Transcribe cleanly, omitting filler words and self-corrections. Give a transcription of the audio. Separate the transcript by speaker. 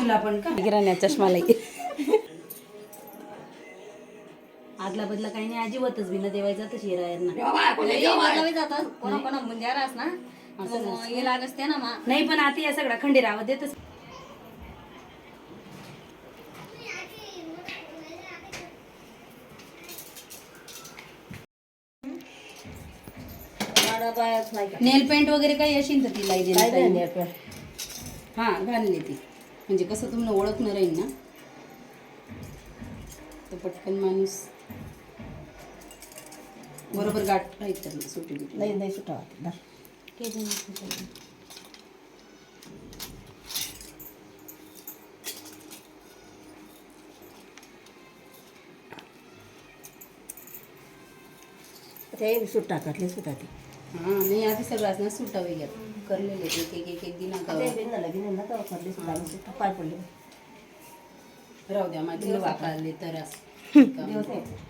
Speaker 1: तुला पण का
Speaker 2: किराणा चष्मा लई
Speaker 1: आदला बदला काही नाही अजिबातच बिना देवायचा तर शिरायला
Speaker 3: जातात कोणा कोणा मुंजारास ना हे लागस ते ना मा
Speaker 1: नाही पण आता या सगळा खंडेराव देतच नेल पेंट वगैरे काही असेल तर तिला देणार हा घालले ती म्हणजे कसं तुम्हाला ओळखणं राहील ना तर पटकन माणूस बरोबर गाठ राहील तर सुटी
Speaker 2: नाही नाही सुटा ते सूट टाकतले सुटा ती
Speaker 1: हां नाही आधी सगळ्याच ना सुटा वगैरे करलेले एक दिना
Speaker 2: पाय पडले
Speaker 1: राहू द्या माझी वाकाळले तर असं